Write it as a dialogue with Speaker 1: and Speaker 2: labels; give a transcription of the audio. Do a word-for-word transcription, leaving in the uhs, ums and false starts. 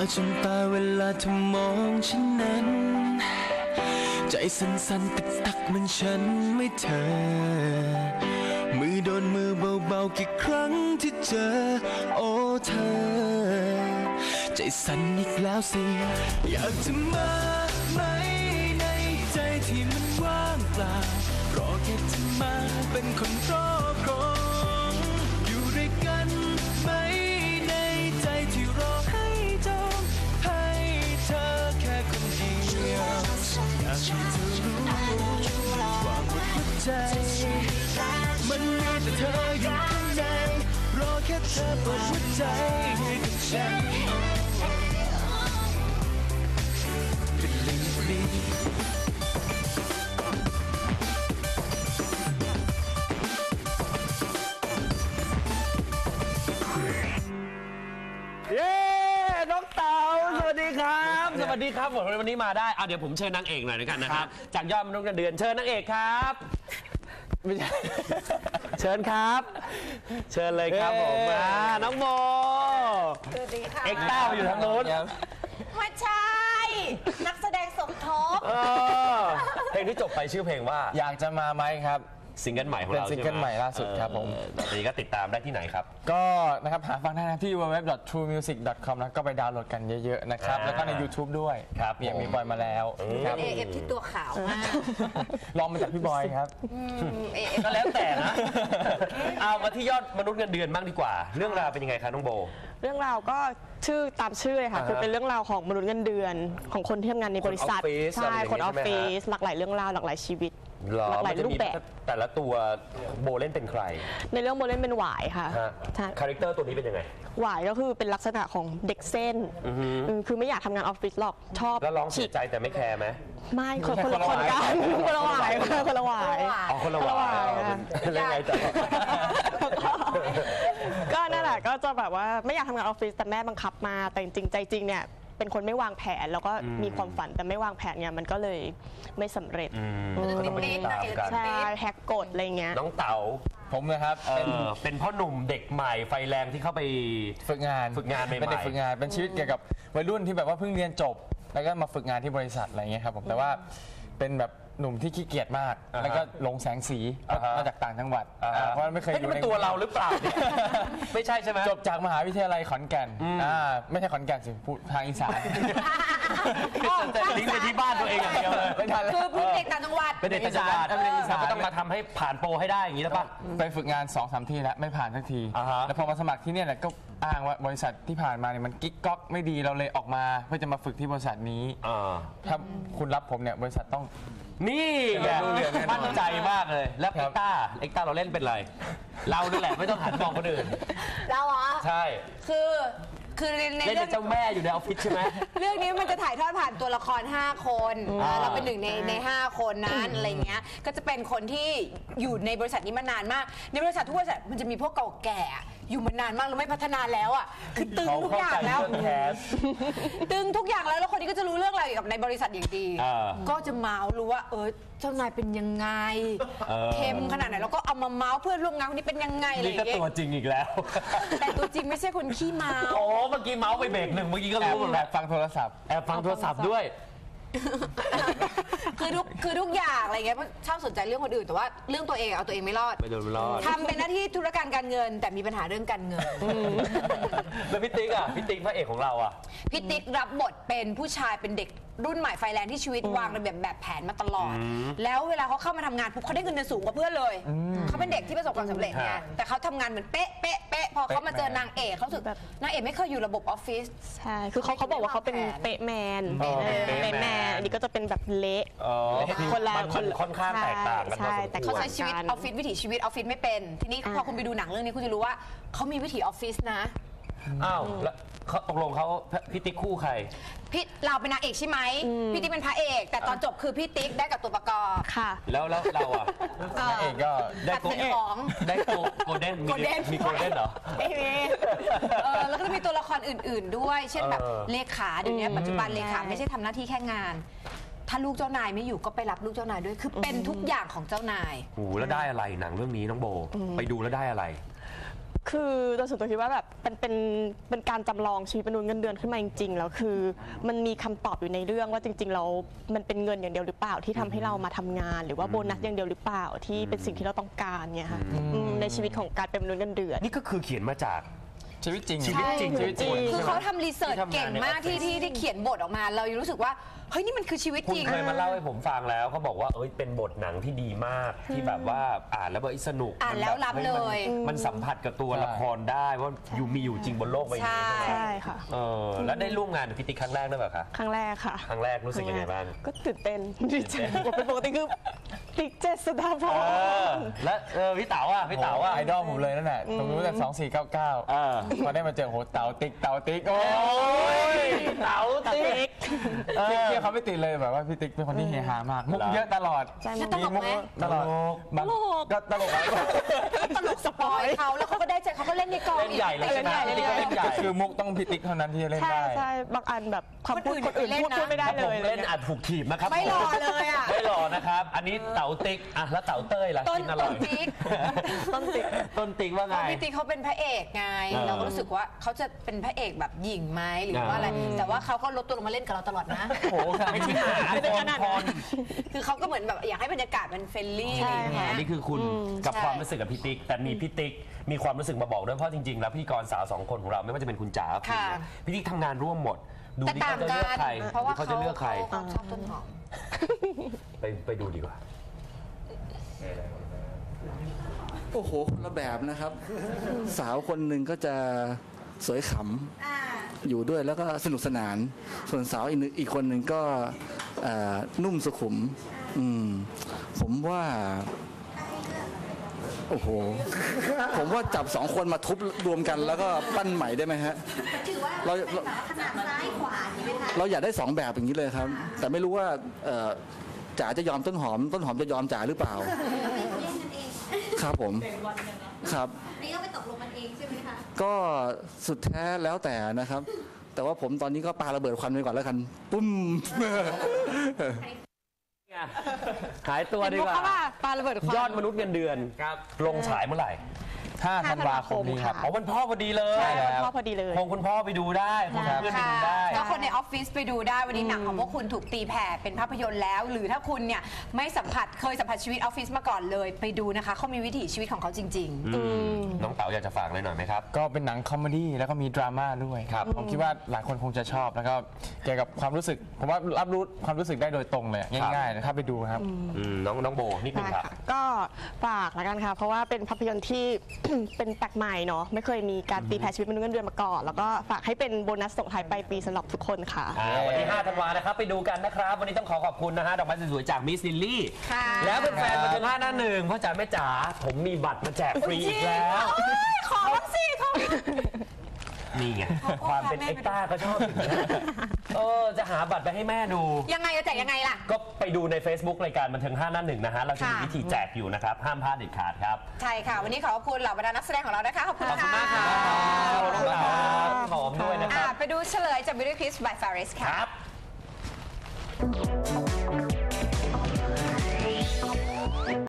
Speaker 1: จนตาเวลาเธอมองฉันนั้นใจสั่นๆตึกตักมันฉันไม่เธอมือโดนมือเบาๆกี่ครั้งที่เจอโอ้เธอใจสั่นอีกแล้วสิอยากจะมาไหมในใจที่มันว่างเปล่ารอแค่เธอมาเป็นคนรอบครองอยู่ด้วยกันไหมในใจที่รอให้จองให้เธอแค่คนเดียวอยากให้เธอรู้ว่าหมดหัวใจมันมีแต่เธออยู่ข้างในรอแค่เธอเปิดหัวใจให้กับฉันเป็นเรื่องดี
Speaker 2: เย้น้องเต๋าสวัสดีครับสวัสดีครับผมวันนี้มาได้อ่ะเดี๋ยวผมเชิญนางเอกหน่อยนะครับนะครับจากยอดมนุษย์เงินเดือนเชิญนางเอกครับไม่ใช่เชิญครับ เชิญเลยครับผมมาน้องโม
Speaker 3: สวัสดีค่ะ
Speaker 2: เอ็กต้ามาอยู่ทางโน้น
Speaker 3: ไม่ใช่นักแสดงสมทบ
Speaker 2: เพลงที่จบไปชื่อเพลงว่า
Speaker 4: อยากจะมาไหมครับ
Speaker 2: ซิงเกิลใหม่ของเรา
Speaker 4: เป็นซิงเกิลใหม่ล่าสุดครับผม
Speaker 2: ตอนนี้ก็ติดตามได้ที่ไหนครับ
Speaker 4: ก็นะครับหาฟังได้ที่ ดับเบิลยู ดับเบิลยู ดับเบิลยู ดอท ทรูมิวสิก ดอท คอม แล้วก็ไปดาวน์โหลดกันเยอะๆนะครับแล้วก็ใน YouTube ด้วย
Speaker 2: ครับ
Speaker 4: มีมีบอยมาแล้ว
Speaker 3: ครับเอฟที่ตัวขาวมาก
Speaker 4: ลองมาจากพี่บอยครับ
Speaker 2: ก็แล้วแต่นะเอามาที่ยอดมนุษย์เงินเดือนบ้างดีกว่าเรื่องราวเป็นยังไงคะน้องโบ
Speaker 5: เรื่องราวก็ชื่อตามชื่อเลยค่ะคือเป็นเรื่องราวของมนุษย์เงินเดือนของคนที่ทำงานในบริษัทใช่คนออฟฟิศหลากหลายเรื่องราวหลากหลายชีวิตหลากหลายรูปแบบ
Speaker 2: แต่ละตัวโบเล่นเป็นใคร
Speaker 5: ในเรื่องโบเล่นเป็นหวายค่ะ
Speaker 2: คาแรคเตอร์ตัวนี้เป็นยังไง
Speaker 5: หวายก็คือเป็นลักษณะของเด็กเส้นคือไม่อยากทำงานออฟฟิศหรอกชอบ
Speaker 2: แล้วร้องเสียใจแต่ไม่แคร์ไหม
Speaker 5: ไม่คนคนละคนกันคนละหวายคนละหวาย
Speaker 2: อ๋อคนละหวายเล่นไงจ๊ะ
Speaker 5: ก็นั่นแหละก็จะแบบว่าไม่อยากทำงานออฟฟิศแต่แม่บังคับมาแต่จริงใจจริงเนี่ยเป็นคนไม่วางแผนแล้วก็มีความฝันแต่ไม่วางแผนเนี่ยมันก็เลยไม่สำเร็จใช่แฮกกฎอะไรเงี้ย
Speaker 2: น้องเต๋า
Speaker 4: ผมนะครับ
Speaker 2: เป็นเป็นพ่อหนุ่มเด็กใหม่ไฟแรงที่เข้าไป
Speaker 4: ฝึกงาน
Speaker 2: ฝึกงานใหม่
Speaker 4: เป็นเด็กฝึกงานเป็นชีวิตเกี่ยวกับวัยรุ่นที่แบบว่าเพิ่งเรียนจบแล้วก็มาฝึกงานที่บริษัทอะไรเงี้ยครับผมแต่ว่าเป็นแบบหนุ่มที่ขี้เกียจมากแล้วก็ลงแสงสีมาจากต่างจังหวัดเพราะไม่เคยอยู่
Speaker 2: ในตัวเราหรือเปล่าไม่ใช่ใช่ไหม
Speaker 4: จบจากมหาวิทยาลัยขอนแก่นไม่ใช่ขอนแก่นสิพูดทางอีสาน
Speaker 2: แต่ลิงก์ไปที่บ้านตัวเองอย่างเดียวเลย
Speaker 3: คือเป็นเด็กต่างจังหวัด
Speaker 2: เป็นเด็กต่างจังหวัดก็ต้องมาทำให้ผ่านโปรให้ได้อย่างนี้แล้วป่ะ
Speaker 4: ไปฝึกงาน สองสาม ที่แล้วไม่ผ่านสักทีแล้วพอมาสมัครที่นี่แหละก็อ้างว่าบริษัทที่ผ่านมาเนี่ยมันกิ๊กก๊อกไม่ดีเราเลยออกมาเพื่อจะมาฝึกที่บริษัทนี้ถ้าคุณรับผมเนี่ยบริษัทต้อง
Speaker 2: นี่แหละมั่นใจมากเลยแล้วเอ็กต้าเอ็กต้าเราเล่นเป็นอะไรเรานี่แหละไม่ต้องหันมองคนอื่น
Speaker 3: เราเหรอ
Speaker 2: ใช่
Speaker 3: คือคือใน
Speaker 2: เรื่องเจ้าแม่อยู่ในออฟฟิศใช่ไหม
Speaker 3: เรื่องนี้มันจะถ่ายทอดผ่านตัวละครห้าคนเราเป็นหนึ่งในในห้าคนนั้นอะไรเงี้ยก็จะเป็นคนที่อยู่ในบริษัทนี้มานานมากในบริษัททุกบริษัทมันจะมีพวกเก่าแก่อยู่มานานมากแล้วไม่พัฒนาแล้วอ่ะคือตึงทุกอย่างแล้วตึงทุกอย่างแล้วแล้วคนนี้ก็จะรู้เรื่องอะไรกับในบริษัทอย่างดีก็จะเมาส์รู้ว่าเออเจ้านายเป็นยังไงเข้มขนาดไหนแล้วก็เอามาเมาส์เพื่อนร่วมงานคนนี้เป็นยังไงอะไรอย่าง
Speaker 2: เงี้ยนี่ก็ตัวจริงอีกแล้ว
Speaker 3: แต่ตัวจริงไม่ใช่คนขี้เมา
Speaker 2: โอ้เมื่อกี้เมาส์ไปเบรกหนึ่งเมื่อกี้ก็รู้หมดแล้ว
Speaker 4: ฟังโทรศัพท์
Speaker 2: แอบฟังโทรศัพท์ด้วย
Speaker 3: คือทุกคือทุกอย่างอะไรเงี้ยชอบสนใจเรื่องคนอื่นแต่ว่าเรื่องตัวเองเอาตัวเองไม่รอด
Speaker 2: ไม่โดนไม่รอด
Speaker 3: ทำเป็นหน้าที่ธุรการการเงินแต่มีปัญหาเรื่องการเงิน
Speaker 2: แล้วพี่ติ๊กอ่ะพี่ติ๊กพระเอกของเราอ่ะ
Speaker 3: พี่ติ๊กรับบทเป็นผู้ชายเป็นเด็กรุ่นใหม่ไฟแรงที่ชีวิตวางระเบียบแบบแผนมาตลอดแล้วเวลาเขาเข้ามาทำงานปุ๊บเขาได้เงินเดือนสูงกว่าเพื่อนเลยเขาเป็นเด็กที่ประสบความสำเร็จเนี่ยแต่เขาทำงานเหมือนเป๊ะเป๊ะเป๊ะพอเขามาเจอนางเอกเขาสึกแบบนางเอกไม่เคยอยู่ระบบออฟฟิศ
Speaker 5: ใช่คือเขาเขาบอกว่าเขาเป็นเป๊ะแมนเป๊ะแมนอันนี้ก็จะเป็นแบบเละ
Speaker 2: คนละคนค่อนข้างแตกต่างกัน
Speaker 3: แต่เขาใช้ชีวิตออฟฟิศวิถีชีวิตออฟฟิศไม่เป็นทีนี้พอคุณไปดูหนังเรื่องนี้คุณจะรู้ว่าเขามีวิถีออฟฟิศนะ
Speaker 2: อ้าวแล้วตกลงเขาพี่ติ๊กคู่ใคร
Speaker 3: พี่เราเป็นนางเอกใช่ไหมพี่ติ๊กเป็นพระเอกแต่ตอนจบคือพี่ติ๊กได้กับตัวประกอบ
Speaker 5: ค่ะ
Speaker 2: แล้วแล้วเราอ่ะ
Speaker 4: นางเอกก็
Speaker 2: ได้โกลเด้นได้โกลเด้นมีโกลเด้นเหรอ
Speaker 3: ไม่มีแล้วก็จะมีตัวละครอื่นๆด้วยเช่นแบบเลขาเดี๋ยวนี้ปัจจุบันเลขาไม่ใช่ทำหน้าที่แค่งานถ้าลูกเจ้านายไม่อยู่ก็ไปรับลูกเจ้านายด้วยคือเป็นทุกอย่างของเจ้านาย
Speaker 2: โอ้แล้วได้อะไรหนังเรื่องนี้น้องโบไปดูแล้วได้อะไร
Speaker 5: คือโดยส่วนตัวคิดว่าแบบเป็นเป็นเป็นการจำลองชีวิตมนุษย์เงินเดือนขึ้นมาจริงๆแล้วคือมันมีคำตอบอยู่ในเรื่องว่าจริงๆเรามันเป็นเงินอย่างเดียวหรือเปล่าที่ทำให้เรามาทำงาน หรือว่าโบนัสอย่างเดียวหรือเปล่าที่เป็นสิ่งที่เราต้องการเนี่ยค่ะอืมในชีวิตของการเป็นมนุษย์เงินเดือน
Speaker 2: นี่ก็คือเขียนมาจาก
Speaker 4: ชีวิตจริง
Speaker 2: ชีวิตจริง
Speaker 4: ชีวิตจริง
Speaker 3: คือเขาทำรีเสิร์ชเก่งมากที่ที่ที่เขียนบทออกมา เรายังรู้สึกว่าเฮ้ยนี่มันคือชีวิต
Speaker 2: คุ
Speaker 3: จ
Speaker 2: ณ
Speaker 3: ริง
Speaker 2: เคยมาเล่าให้ผมฟังแล้วเขาบอกว่าเอ้ยเป็นบทหนังที่ดีมากที่แบบว่าอ่านแล้วแบบสนุก
Speaker 3: อ่านแล้วรับเลย
Speaker 2: มันมันสัมผัสกับตัวละครได้ว่าอยู่มีอยู่จริงบนโลกใบนี้
Speaker 3: ใช่
Speaker 2: ใช่ไหม
Speaker 5: ใช่ค่ะ
Speaker 2: เออแล้วได้ร่วมงานกับพี่ติ๊กครั้งแรกด้วยเปล่าคะ
Speaker 5: ครั้งแรกค่ะ
Speaker 2: ครั้งแรกรู้สึกยังไงบ้าง
Speaker 5: ก็ตื่นเต้นดีใจเป็นปกติคือติ๊กเจษฎาพ
Speaker 2: เอ
Speaker 5: ร
Speaker 2: อแล้วเออพี่เต๋าอ่ะพี่เต๋าอ่ะ
Speaker 4: ไอดอลผมเลยนั่นแหละผมรู้จากสองสี่เก้าเก้า
Speaker 2: เออ
Speaker 4: พอได้มาเจอโหเต๋าติ๊กเต๋าติ๊กโอ้
Speaker 2: โอ้
Speaker 4: ย
Speaker 2: ยเต๋าติ๊ก
Speaker 4: เที่ยวเที่ยวเขาไม่ติดเลยแบบว่าพี่ติ๊กเป็นคนที่เฮฮามากมุกเยอะตลอด
Speaker 5: ใช่
Speaker 3: แล้วตลกไหม
Speaker 4: ตลอดบางก็ตลกอะ
Speaker 3: ตลกสปอยเขาแล้วเขาก็ได้ใจเขาก็เล่นในกอง
Speaker 2: เล่นใหญ่เลยใช่ไหม
Speaker 5: เล่นใหญ่
Speaker 2: พี่ติ๊กก็เล่นใหญ่
Speaker 4: ก็คือมุกต้องพี่ติ๊กเท่านั้นที่จะเล่น
Speaker 5: ใช่
Speaker 4: ได้
Speaker 5: ใช่บางอันแบบคำพูด
Speaker 3: ค
Speaker 5: คน น
Speaker 3: อื่
Speaker 5: อื่
Speaker 3: น
Speaker 5: น
Speaker 3: เล่น
Speaker 5: พูด
Speaker 3: นะ
Speaker 5: พูดไม่ได้
Speaker 2: ถ้า
Speaker 5: เล
Speaker 2: ผม
Speaker 5: ย
Speaker 2: เล่นอาจถูกถีบนะครับ
Speaker 3: ไม่รอเลยอ่ะ
Speaker 2: ไม่รอนะครับ อันนี้เต๋าติ๊กอ่ะแล้วเต๋าเต้ยล่ะ
Speaker 3: ต้น
Speaker 2: กินอร่
Speaker 3: ต้
Speaker 2: อน ย
Speaker 3: ติ๊ก
Speaker 5: ต้นติ๊ก
Speaker 2: ต้นติ๊กว่าไง
Speaker 3: พี่ติ๊กเขาเป็นพระเอกไง
Speaker 2: เออ
Speaker 3: เราก็รู้สึกว่าเขาจะเป็นพระเอกแบบหญิงไหมหรือว่าอะไร แต่ว่าเขาก็ลดตัวลงมาเล่นกับเราตลอดนะ
Speaker 4: โอ้โหขนาด
Speaker 2: ไม่
Speaker 4: นี้
Speaker 2: ใช่หา
Speaker 5: ไม่
Speaker 2: ค
Speaker 5: ได้
Speaker 2: น
Speaker 5: ขนาด
Speaker 2: พ
Speaker 5: นั้น
Speaker 2: ร
Speaker 3: คือเขาก็เหมือนแบบอยากให้บรรยากาศมันเฟรนลี่อะไรอย่างเงี้ย
Speaker 2: อันนี้คือคุณกับ
Speaker 3: ใช่
Speaker 2: ความรู้สึกกับพี่ติ๊กแต่มีพี่ติ๊กมีความรู้สึกมาบอกด้วยเพราะจริง ๆ แล้วพพี่กรสาวสองคนของเราไม่ว่าจะเป็นคุณจ๋าคุณ
Speaker 3: ค่ะ
Speaker 2: เนี่ยพี่ติ๊กทำงานร่วมหมด ดู
Speaker 3: แต่
Speaker 2: ที่
Speaker 3: ต่า
Speaker 2: เขา
Speaker 3: ง
Speaker 2: จะ
Speaker 3: กั
Speaker 2: เลือก
Speaker 3: น
Speaker 2: ใคร
Speaker 3: เพราะว่า
Speaker 2: เขา
Speaker 3: เขา
Speaker 2: จะเลือกใคร
Speaker 3: เขาชอบต้นหอม
Speaker 2: ไปไปดูดีกว่า
Speaker 6: โอ้โหคนละแบบนะครับ สาวคนหนึ่งก็จะสวยขำอยู่ด้วยแล้วก็สนุกสนาน ส่วนสาวอีกหนึ่งอีกคนหนึ่งก็เอ่อนุ่มสุขุม อืมผมว่า โอ้โห ผมว่าจับสองคนมาทุบรวมกันแล้วก็ปั้นใหม่ได้ไหมฮะ
Speaker 7: ถือว่า
Speaker 6: เรา
Speaker 7: เป็นแบบว่าขนาดซ้ายขวาอย่างนี้ไหมคะ
Speaker 6: เราอยากได้สองแบบอย่างนี้เลยครับ แต่ไม่รู้ว่าเอ่อจ๋าจะยอมต้นหอม ต้นหอมจะยอมจ๋าหรือเปล่า
Speaker 7: ไปแย่งกันเอง
Speaker 6: ครับผมครับ
Speaker 7: นี่ก็ไปตกลงกันเองใช่ไหมคะ
Speaker 6: ก็สุดแท้แล้วแต่นะครับ แต่ว่าผมตอนนี้ก็ปาระเบิดควันไปก่อนแล้วกัน ปุ้ม
Speaker 2: หายตัวดีกว่า
Speaker 3: เห็นมุกเขาว่าปาระเบิดควัน
Speaker 2: ยอดมนุษย์เงินเดือนลงฉายเมื่อไหร่
Speaker 4: ห้าธันวาคมนี้ครับ
Speaker 2: อ๋อวันพ่อพอดีเลย
Speaker 5: ใช่วันพ่อพอดีเลย
Speaker 2: คงคุณพ่อไปดูได้คงเพื่อนไป
Speaker 3: ค่ะ
Speaker 2: ดูได้
Speaker 3: ก็คนในออฟฟิศไปดูได้วันนี้หนังของพวกคุณถูกตีแผ่เป็นภาพยนตร์แล้ว หรือถ้าคุณเนี่ยไม่สัมผัสเคยสัมผัสชีวิตออฟฟิศมาก่อนเลยไปดูนะคะเขามีวิถีชีวิตของเขาจริง
Speaker 2: น้องเต๋าอยากจะฝากอะไรหน่อยไหมครับ
Speaker 4: ก็เป็นหนังคอมเมดี้แล้วก็มีดราม่าด้วย
Speaker 2: ครับ
Speaker 4: ผมคิดว่าหลายคนคงจะชอบแล้วก็เกี่ยวกับความรู้สึก ผมว่ารับรู้ความรู้สึกได้โดยตรงเลยง่ายๆนะครับไปดูครับ
Speaker 2: อืมน้องน้องโบนิดนึง
Speaker 5: ได้
Speaker 2: ครับ
Speaker 5: ค่ะก็ฝากละกันค่ะ เพราะว่าเป็นภาพยนตร์ที่ เป็นแปลกใหม่เนาะไม่เคยมีการตีแผ่ชีวิตมนุษย์เงินเดือนมาก่อน แล้วก็ฝากให้เป็นโบนัสส่งท้ายปลายปีสำหรับทุกคนค่ะ
Speaker 2: อ่าวันที่ห้าธันวานะครับไปดูกันนะครับ วันนี้ต้องขอขอบคุณนะฮะดอกไม้สวยๆจากมิสลิลลี่
Speaker 3: ค่ะ
Speaker 2: แล้วเป็นแฟนบันเทิงห้าหน้าหนึ่งพ่อจ๋าแม่จ๋าผมมีบัตรมาแจกฟรีอีกแล้ว
Speaker 3: ๆเอ้ยขอบ้างสิขอ
Speaker 2: นี่ไงความเป็นเอ็กต้าก็ชอบอย่างนี้ยเออจะหาบัตรไปให้แม่ดู
Speaker 3: ยังไงจะแจกยังไงล่ะ
Speaker 2: ก็ไปดูใน Facebook รายการบันเทิงห้าหน้าหนึ่งนะฮะเราจะมี
Speaker 3: ค่ะ
Speaker 2: วิธีแจกอยู่นะครับ ห้ามพลาดเด็ดขาดครับ
Speaker 3: ใช่ค่ะ วันนี้ขอบคุณเหล่าบรรดานักแสดงของเรานะคะ ขอบคุณ
Speaker 2: ขอบคุณ
Speaker 3: ค่ะ
Speaker 2: มากครับน้องเต๋าหอมด้วยนะค
Speaker 3: อ่ะ
Speaker 2: รับ
Speaker 3: ไปดูเฉลยจาก Beauty Kiss by Faris ค่ะ
Speaker 2: ครับ